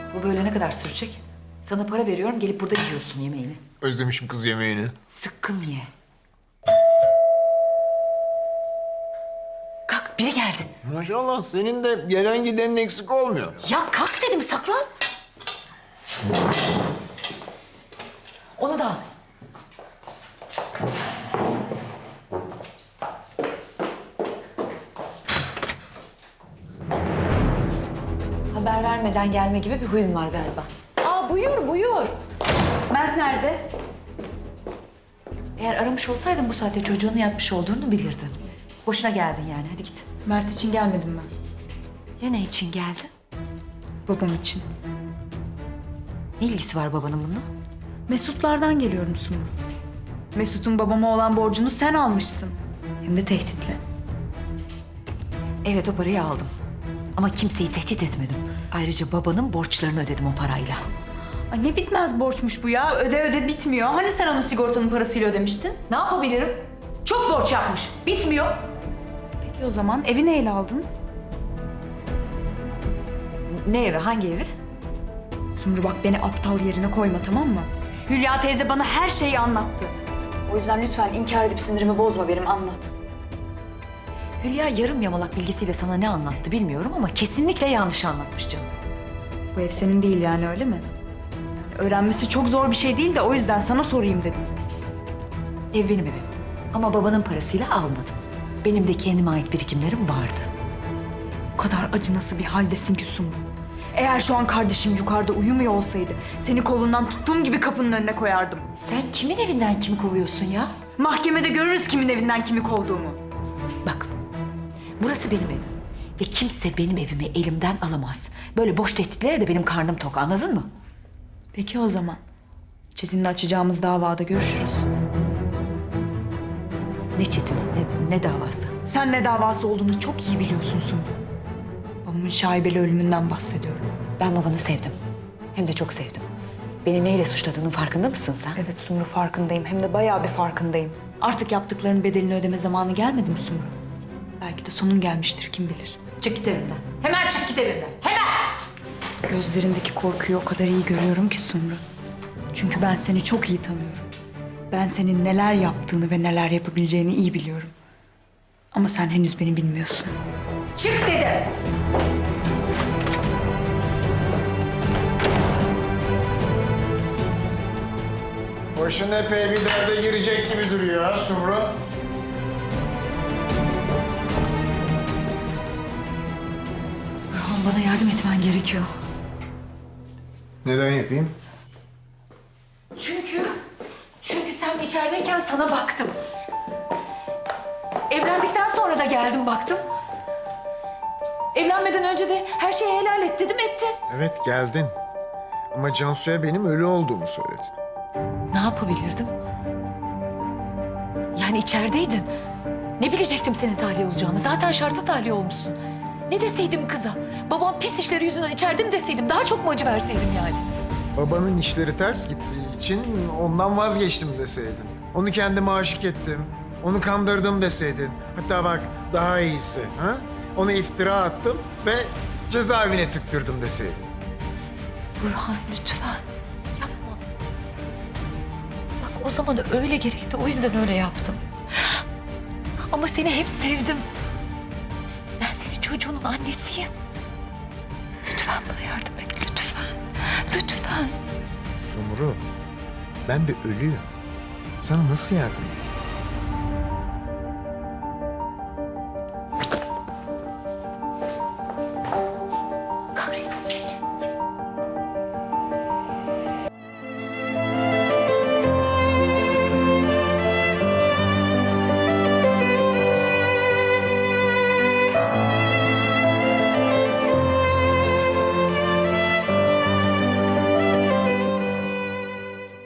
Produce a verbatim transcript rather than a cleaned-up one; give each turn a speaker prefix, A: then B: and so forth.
A: Bu böyle ne kadar sürecek? Sana para veriyorum, gelip burada yiyorsun yemeğini.
B: Özlemişim kız yemeğini.
A: Sıkkın ye. Kalk, biri geldi.
B: Maşallah senin de gelen gidenin eksik olmuyor.
A: Ya kalk dedim, saklan. Onu da al. Haber vermeden gelme gibi bir huyun var galiba. Aa buyur, buyur.
C: Mert nerede?
A: Eğer aramış olsaydın bu saatte çocuğunun yatmış olduğunu bilirdin. Boşuna geldin yani, hadi git.
C: Mert için gelmedim ben.
A: Ya ne için geldin?
C: Babam için.
A: Ne ilgisi var babanın bununla?
C: Mesutlardan geliyorum Sumru. Mesut'un babama olan borcunu sen almışsın. Hem de tehditle.
A: Evet, o parayı aldım. Ama kimseyi tehdit etmedim. Ayrıca babanın borçlarını ödedim o parayla.
C: Ay ne bitmez borçmuş bu ya. Öde öde bitmiyor. Hani sen onun sigortanın parasıyla ödemiştin?
A: Ne yapabilirim? Çok borç yapmış. Bitmiyor.
C: Peki o zaman evi neyle aldın?
A: Ne evi? Hangi evi?
C: Sumru bak beni aptal yerine koyma, tamam mı? Hülya teyze bana her şeyi anlattı. O yüzden lütfen inkar edip sinirimi bozma benim, anlat.
A: Hülya yarım yamalak bilgisiyle sana ne anlattı bilmiyorum ama kesinlikle yanlış anlatmış canım.
C: Bu ev senin değil yani, öyle mi? Öğrenmesi çok zor bir şey değil de o yüzden sana sorayım dedim.
A: Ev benim evim. Ama babanın parasıyla almadım. Benim de kendime ait birikimlerim vardı.
C: O kadar acınası bir haldesin ki Sumru. Eğer şu an kardeşim yukarıda uyumuyor olsaydı seni kolundan tuttuğum gibi kapının önüne koyardım.
A: Sen kimin evinden kimi kovuyorsun ya?
C: Mahkemede görürüz kimin evinden kimi kovduğumu.
A: Bak, burası benim evim. Ve kimse benim evimi elimden alamaz. Böyle boş tehditlere de benim karnım tok, anladın mı?
C: Peki o zaman. Çetin'le açacağımız davada görüşürüz.
A: Ne çetini, ne, ne davası?
C: Sen ne davası olduğunu çok iyi biliyorsun Sumru. Babamın şaibeli ölümünden bahsediyorum.
A: Ben babanı sevdim. Hem de çok sevdim. Beni neyle suçladığının farkında mısın sen?
C: Evet Sumru, farkındayım. Hem de bayağı bir farkındayım. Artık yaptıklarının bedelini ödeme zamanı gelmedi mi Sumru? Belki de sonun gelmiştir, kim bilir.
A: Çık git evimden. Hemen çık git evimden. Hemen!
C: Gözlerindeki korkuyu o kadar iyi görüyorum ki Sumru. Çünkü ben seni çok iyi tanıyorum. Ben senin neler yaptığını ve neler yapabileceğini iyi biliyorum. Ama sen henüz beni bilmiyorsun.
A: Çık dedim!
B: Başın epey bir derde girecek gibi duruyor ha Sumru.
A: Burhan, bana yardım etmen gerekiyor.
B: Neden yapayım?
A: Çünkü, çünkü sen içerideyken sana baktım. Evlendikten sonra da geldim baktım. Evlenmeden önce de her şeyi helal et dedim, ettin.
B: Evet geldin. Ama Cansu'ya benim ölü olduğumu söyledin.
A: Ne yapabilirdim? Yani içerideydin. Ne bilecektim senin tahliye olacağını? Zaten şartlı tahliye olmuşsun. Ne deseydim kıza? Babam pis işleri yüzünden içeride mi deseydim? Daha çok mu acı verseydim yani?
B: Babanın işleri ters gittiği için ondan vazgeçtim deseydin. Onu kendime aşık ettim. Onu kandırdım deseydin. Hatta bak daha iyisi. Ha? Ona iftira attım ve cezaevine tıktırdım deseydin.
A: Burhan lütfen yapma. Bak o zaman öyle gerekti, o yüzden öyle yaptım. Ama seni hep sevdim. Ben senin çocuğunun annesiyim. Lütfen bana yardım et, lütfen. Lütfen.
B: Sumru, ben bir ölüyüm. Sana nasıl yardım edeyim?